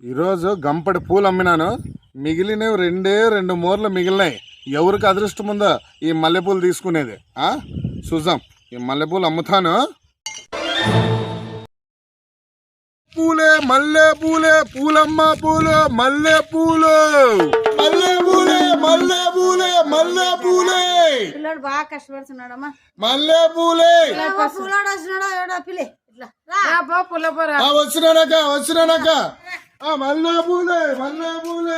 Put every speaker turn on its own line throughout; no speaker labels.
ఈరోజు గంపడి పూలు అమ్మినాను. మిగిలినవి రెండు మూరలు మిగిలినాయి. ఎవరికి అదృష్టం ఉందో ఈ మల్లెపూలు తీసుకునేది. చూద్దాం. ఈ మల్లెపూలు అమ్ముతాను. పూలే మల్లె పూలే పూలమ్మ పూలు మల్లె పూలు మల్లె పూలే మల్లె పూలే మల్లె పూలే
పిల్లడు బాగా కష్టపడుతున్నాడమ్మా.
మల్లె పూలే వచ్చినానక్క వచ్చినానక్క. మల్లె పూలే మల్లె పూలే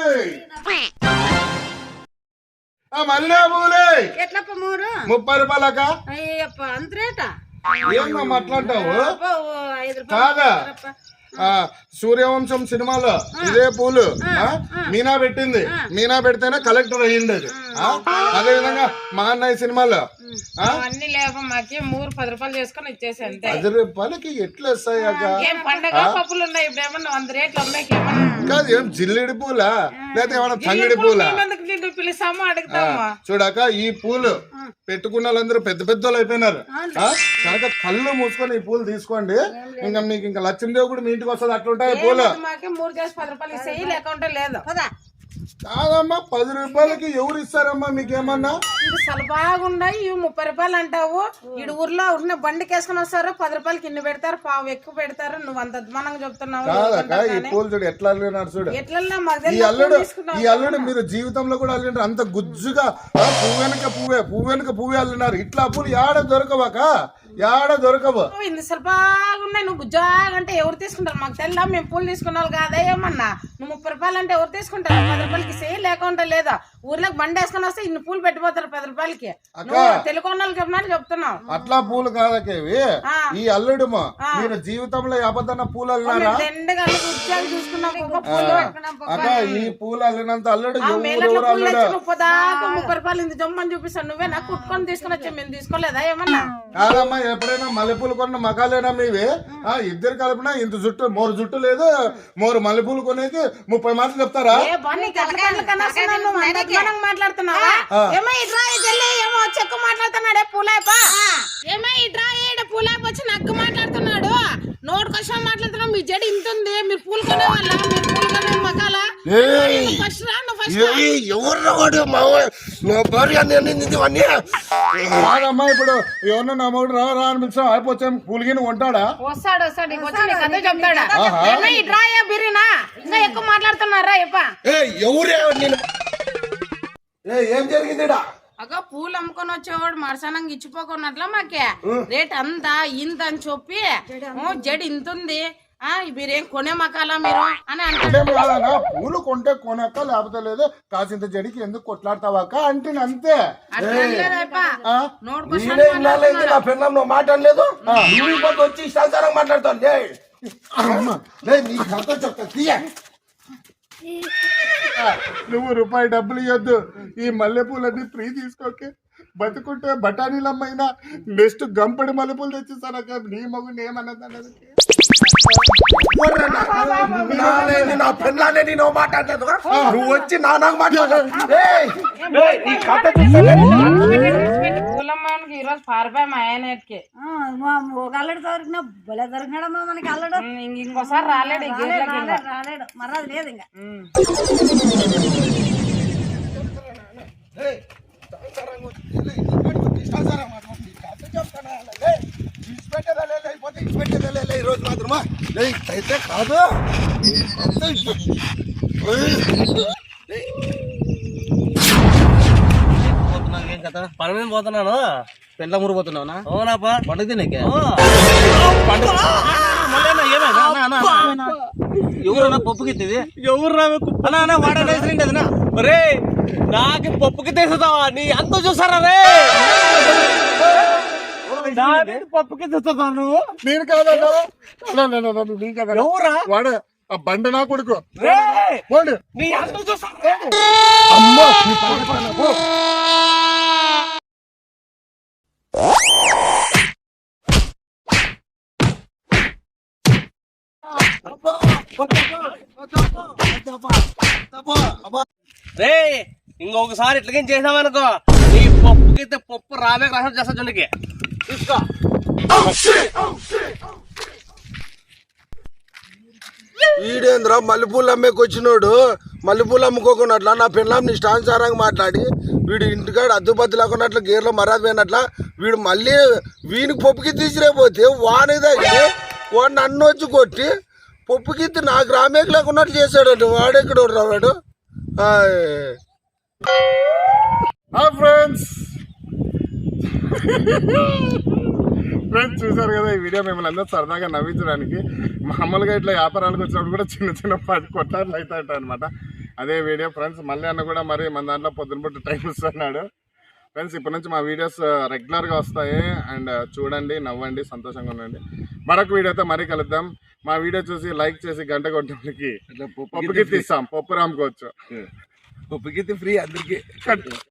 మల్లె పూలే
ఎట్లా
30 రూపాయలక్క.
అంత రేటా?
ఏమమ్మా అట్లాంటావు? కాదా సూర్యవంశం సినిమాలో ఇదే పూలు మీనా పెట్టింది. మీనా పెడితేనే కలెక్టర్ అయ్యింది అది. అదే విధంగా మా అన్నయ్య సినిమాలో
అన్ని లేవు మాకి 10 రూపాయలు చేసుకొని ఇచ్చేసి అంతే.
10 రూపాయలకి ఎట్లా వస్తాయాక?
ఏం పండగ పప్పులు ఉన్నాయి ఇప్పుడు ఏమన్నా 100 రేట్లు ఉన్నాయి.
కాదు ఏం జిల్లిడి పూలా లేకపోతే ఏమన్నా తంగిడి పూలా?
పిలుస్తాము అడుగుతాము.
చూడాక ఈ పూలు పెట్టుకున్న వాళ్ళందరూ పెద్ద పెద్దోళ్ళు అయిపోయినారు కనుక కళ్ళు మూసుకొని ఈ పూలు తీసుకోండి. ఇంకా మీకు ఇంకా లక్ష్మీదేవి కూడా మీ ఇంటికి వస్తుంది. అట్లుంటాయి పూలు.
మాకి 3 చేసి 10 రూపాయలు ఇస్తాయి లేకుంటే లేదు.
కాదమ్మా 10 రూపాయలకి ఎవరు ఇస్తారమ్మా మీకేమన్నా?
ఇది సలబాగున్నాయి. ఇవి 30 రూపాయలు అంటావు. ఇడు ఊర్లో ఉన్న బండికి వేసుకుని వస్తారు 10 రూపాయలకి ఇన్ని పెడతారు, పావు ఎక్కువ పెడతారు. నువ్వు అంత అద్మానంగా చెప్తున్నావు.
కాదక్క ఈ పూలు చూడు ఎట్లా అల్లినారు చూడు.
ఎట్లా
ఈ అల్లుడు మీరు జీవితంలో కూడా అల్లినారు. అంత గుజ్జుగా పువ్వు వెనక పువ్వే అల్లినారు. ఇట్లా పూలు యాడ దొరకవాక యాడ దొరకవు.
ఇంత సలబాగున్నాయి. నువ్వు గుజ్జాగంటే ఎవరు తీసుకుంటారు మాకు తెల్లా. మేము పూలు తీసుకున్నావు కాదా ఏమన్నా? నువ్వు 30 రూపాయలు అంటే ఎవరు తీసుకుంటారు? 10 రూపాయలకి సేల్ లేకుండా లేదా? ఊర్లోకి బండి వేసుకొని వస్తే ఇన్ని పూలు పెట్టిపోతారు 10 రూపాయలకి. తెలుగు వాళ్ళకి చెప్తున్నావు.
అట్లా పూలు కాదకేవి ఈ అల్లుడు. మీరు జీవితంలో అబద్ధన పూలు అల్లినారా? అక్క ఈ పూలు అల్లినంత అల్లుడు
30 రూపాయలు ఇంత జమ్మని చూపిస్తాను. నువ్వే నాకు కుట్టుకొని తీసుకుని వచ్చా. మేము తీసుకోలేదా ఏమన్నా?
కాదమ్మా ఎప్పుడైనా మల్లెపూలు కొన్న మకాలేనా మీవి? ఇద్దరు కలిపినా ఇంత జుట్టు 3 జుట్టు లేదు 3 మల్లెపూలు కొనేది 30 మాటలు చెప్తారా?
మాట్లాడుతున్నావా? ఏమో ఇట్రా ఏమో చెక్కు మాట్లాడుతున్నాడే పూలాపా. ఏమో ఇట్రా పూలాప వచ్చి నగ్గు మాట్లాడుతున్నాడు. నోటు కోసం మాట్లాడుతున్నావు. మీ జడి ఇంత ఉంది. మీరు పూలు కొనే వాళ్ళ మీరు పూలు కొనే మకాల
కాదమ్మా ఇప్పుడు ఎవరన్నా నా మగుడు రా అనిపించా అయిపోతే పూలగిని కొంటాడా?
వస్తాడు కథ చెప్తాడా? ఇట్రా బిర్రీనా ఇంకా ఎక్కువ మాట్లాడుతున్నారా?
ఎవరే ఏం జరిగింది?
అగో పూలు అమ్ముకొని వచ్చేవాడు మరసనంగా ఇచ్చిపోకున్నట్లా మాకే రేట్ అంతా ఇంత అని చెప్పి జడి ఇంత ఉంది మీరేం కొనే మకాలా మీరు అని అంటే
పూలు కొంటే కొనక్క లేకపోతే లేదు కాసింత జడికి ఎందుకు కొట్లాడతావాక అంటే అంతే.
మాట్లాడలేదు వచ్చి సంసారం మాట్లాడుతాను.
నువ్వు రూపాయి డబ్బులు ఇవ్వద్దు. ఈ మల్లెపూలన్నీ ఫ్రీ తీసుకోకే. బతుకుంటే బఠానీలమ్మైనా నెక్స్ట్ గంపడి మల్లెపూలు తెచ్చిస్తానక్క. నీ మగుని ఏమన్నది
నా పెళ్ళానే నేను మాట్లాడలేదు. నువ్వు వచ్చి నాకు మాట్లాడలేదు.
పూలమ్మానికి ఈరోజు పారిపోయి మా ఆయనకి
అల్లుడు దొరికినా భలే దొరికినాడమ్మా మనకి అల్లుడు.
ఇంకోసారి రాలేడు
రాలేడు మర్రాదు లేదు ఇంకా.
ఈరోజు మాత్రమా అయితే కాదు.
పని మీద పోతున్నాను. పెండ్ల మురు పోతున్నావునా? అవునాపా పండుగ తినకే. ఎవరన్నా పప్పుకి ఎవరు వాడేసినా రే నాకు పప్పుకి తెస్తావా? నీ అంత చూసారా రే? పప్పుకి తెస్తా నువ్వు?
నేను కాదా ఎవరా వాడు? ఆ బండ నా కొడుకు
నీ అంత చూసా
అమ్మా.
రే ఇంకొకసారి ఇట్లకేం చేసామనుకో నీ పప్పుకి పప్పు రామే రాసం చేస్తా. జుండికి తీసుకో.
వీడేంద్రా మల్లెపూలు అమ్మేకి వచ్చినోడు మల్లెపూలు అమ్ముకోకున్నట్ల నా పెళ్ళాం ఇష్టానుసారంగా మాట్లాడి వీడు ఇంటికాడ అద్దుపద్దు లేకున్నట్లు గేర్లో మర్యాద పోయినట్ల వీడు మళ్ళీ వీనికి పప్పుకి తీసిరేపోతే వాని తగిలి వాడు నన్ను వచ్చి కొట్టి పప్పుకి నాకు రామేకి లేకున్నట్లు చేశాడు వాడెక్కడ రావాడు
ఫ్రెండ్స్ ఫ్రెండ్స్ చూసారు కదా ఈ వీడియో మిమ్మల్ని అందరూ సరదాగా నవ్వించడానికి మామూలుగా ఇట్లా వ్యాపారాలకు వచ్చినప్పుడు కూడా చిన్న చిన్న పాటి కొట్లాట్లు అవుతాయి అనమాట. అదే వీడియో ఫ్రెండ్స్. మళ్ళీ అన్న కూడా మరి మన దాంట్లో పొద్దునపూట టైం ఇస్తున్నాడు ఫ్రెండ్స్. ఇప్పటి నుంచి మా వీడియోస్ రెగ్యులర్గా వస్తాయి. అండ్ చూడండి, నవ్వండి, సంతోషంగా ఉండండి. మరొక వీడియోతో మరీ కలుద్దాం. మా వీడియో చూసి లైక్ చేసి గంట కొట్టడానికి పప్పుకి తీస్తాం, పప్పు రాముకోవచ్చు.
పప్పుకి ఫ్రీ అందరికి.